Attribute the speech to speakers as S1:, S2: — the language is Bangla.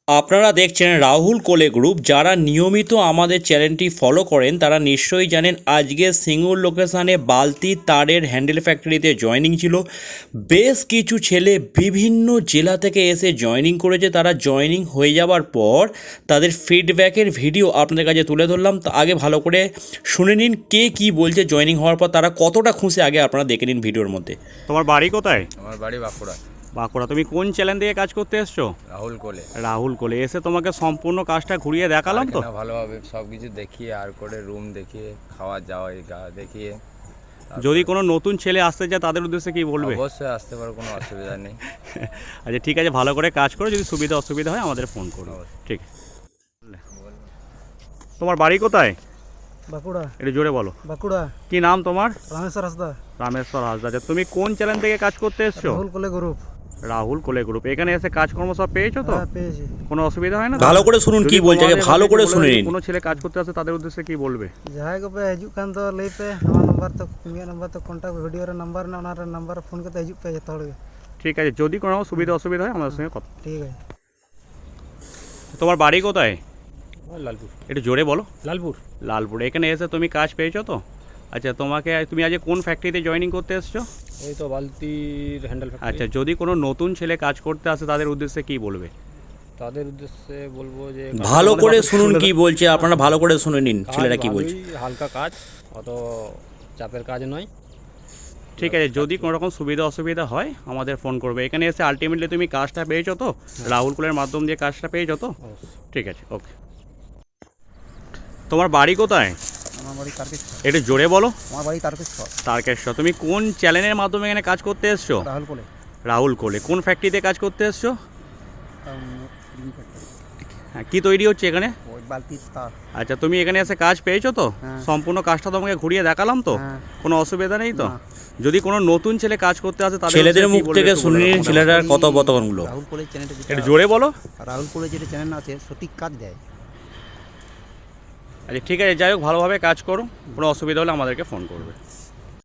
S1: আপনারা দেখছেন রাহুল কোলে গ্রুপ। যারা নিয়মিত আমাদের চ্যানেলটি ফলো করেন তারা নিশ্চয়ই জানেন আজকে সিঙ্গুর লোকেশানে বালতি তারের হ্যান্ডেল ফ্যাক্টরিতে জয়েনিং ছিল। বেশ কিছু ছেলে বিভিন্ন জেলা থেকে এসে জয়েনিং করেছে। তারা জয়েনিং হয়ে যাওয়ার পর তাদের ফিডব্যাকের ভিডিও আপনাদের কাছে তুলে ধরলাম। তো আগে ভালো করে শুনে নিন কে কী বলছে জয়েনিং হওয়ার পর তারা কতটা খুশি, আগে আপনারা দেখে নিন ভিডিওর মধ্যে।
S2: তোমার বাড়ি কোথায়?
S3: আমার বাড়ি বাঁকুড়া।
S2: বাঁকুড়া। তুমি কোন চ্যানেল থেকে কাজ করতে এসছো?
S3: রাহুল কোলে।
S2: রাহুল কোলে। এসে তোমাকে সম্পূর্ণ কাজটা ঘুরিয়ে দেখালাম তো?
S3: ভালোভাবে সব কিছু দেখিয়ে আর করে রুম দেখিয়ে খাওয়া যাওয়া দেখিয়ে।
S2: যদি কোনো নতুন ছেলে আসতে চায় তাদের উদ্দেশ্যে কি বলবে?
S3: অবশ্যই আসতে পারো, কোনো অসুবিধা নেই।
S2: আচ্ছা ঠিক আছে, ভালো করে কাজ করো, যদি সুবিধা অসুবিধা হয় আমাদের ফোন করো। ঠিক আছে। তোমার বাড়ি কোথায়?
S4: বাঁকুড়া।
S2: একটু জোরে বলো।
S4: বাঁকুড়া।
S2: কি নাম তোমার?
S4: রামেশ্বর হাসদা।
S2: রামেশ্বর হাসদা। আচ্ছা তুমি কোন চ্যানেল থেকে কাজ করতে এসছো?
S4: রাহুল কোলে গ্রুপ।
S2: রাহুল কোলে গ্রুপ। এখানে এসে কাজকর্ম সব পেয়েছো তো?
S4: হ্যাঁ, পেয়েছি।
S2: কোনো অসুবিধা হয় না?
S1: ভালো করে শুনুন কি বলছে, আগে ভালো করে শুনে নিন।
S2: কোনো ছেলে কাজ করতে আসে তাদের উদ্দেশ্যে কি বলবে?
S4: ᱡᱟᱦᱟᱸᱭ ᱠᱚᱯᱮ ᱦᱤᱡᱩᱜ ᱠᱷᱟᱱ ᱫᱚ ᱞᱟᱹᱭ ᱯᱮ, ᱱᱚᱣᱟ ᱱᱟᱢᱵᱟᱨ ᱛᱚ ᱤᱧᱟᱹᱜ ᱱᱟᱢᱵᱟᱨ ᱛᱚ ᱠᱚᱱᱴᱟᱠᱴ ᱵᱷᱤᱰᱤᱭᱳ ᱨᱮ ᱱᱟᱢᱵᱟᱨ ᱢᱮᱱᱟᱜᱼᱟ, ᱚᱱᱟ ᱨᱮ ᱱᱟᱢᱵᱟর ফোন করতে হিজুᱜ পে ᱡᱚᱛᱚ ᱦᱚᱲ ᱜᱮ।
S2: ঠিক আছে, যদি কোনো সুবিধা অসুবিধা হয় আমাদের সঙ্গে কথা।
S4: ঠিক আছে।
S2: তোমার বাড়ি কোথায়?
S5: লালপুর।
S2: একটু জোরে বলো।
S5: লালপুর।
S2: লালপুর। এখানে এসে তুমি কাজ পেয়েছো তো? আচ্ছা তুমি আজ কোন ফ্যাক্টরিতে জয়েনিং করতে এসছো?
S5: এই তো বালতির হ্যান্ডেল ফ্যাক্টরি।
S2: আচ্ছা যদি কোনো নতুন ছেলে কাজ করতে আসে তাদের উদ্দেশ্যে কি বলবে?
S5: তাদের উদ্দেশ্যে বলবো যে
S1: ভালো করে শুনুন কি বলছে, আপনারা ভালো করে শুনে নিন
S5: কাজ
S1: ছেলেরা কি বলছে।
S5: ভালোই, হালকা কাজ, অত চাপের কাজ নয়।
S2: ঠিক আছে, যদি কোনো রকম সুবিধা অসুবিধা হয় আমাদের ফোন করবে। এখানে এসে আলটিমেটলি তুমি কাজটা পেয়েছো তো? রাহুল কুলের মাধ্যম দিয়ে কাজটা পেয়েছো তো? ঠিক আছে, ওকে। তোমার বাড়ি কোথায়?
S4: আমার বাড়ি তারকেশ্বর।
S2: একটু জোরে বলো।
S4: আমার বাড়ি তারকেশ্বর।
S2: তারকেশ্বর। তুমি কোন চ্যানেলের মাধ্যমে এখানে কাজ করতে এসছো?
S4: রাহুল কোলে।
S2: রাহুল কোলে। কোন ফ্যাক্টরিতে কাজ করতে এসছো? হ্যাঁ, কী তৈরি হচ্ছে এখানে?
S4: ওই বালতির তার।
S2: আচ্ছা তুমি এখানে এসে কাজ পেয়েছো তো?
S4: হ্যাঁ।
S2: সম্পূর্ণ কাজটা তোমাকে ঘুরিয়ে দেখালাম তো?
S4: হ্যাঁ।
S2: কোনো অসুবিধা নেই তো?
S4: না।
S2: যদি কোনো নতুন ছেলে কাজ করতে আসে তাদের
S1: ছেলেদের
S2: উদ্দেশ্যে
S1: মুখ
S2: কি বলবে
S1: থেকে
S2: একটু
S1: শুনে
S2: বলে
S1: নিন
S2: দাও।
S1: ছেলেটার কথোপকথনগুলো।
S4: রাহুল কোলে চ্যানেলটা
S2: একটু জোরে বলো।
S4: রাহুল কোলে যেটা চ্যানেল আছে সঠিক কাজ দেয়।
S2: আচ্ছা ঠিক আছে, যাই হোক ভালোভাবে কাজ করো, কোনো অসুবিধা হলে আমাদেরকে ফোন করবে।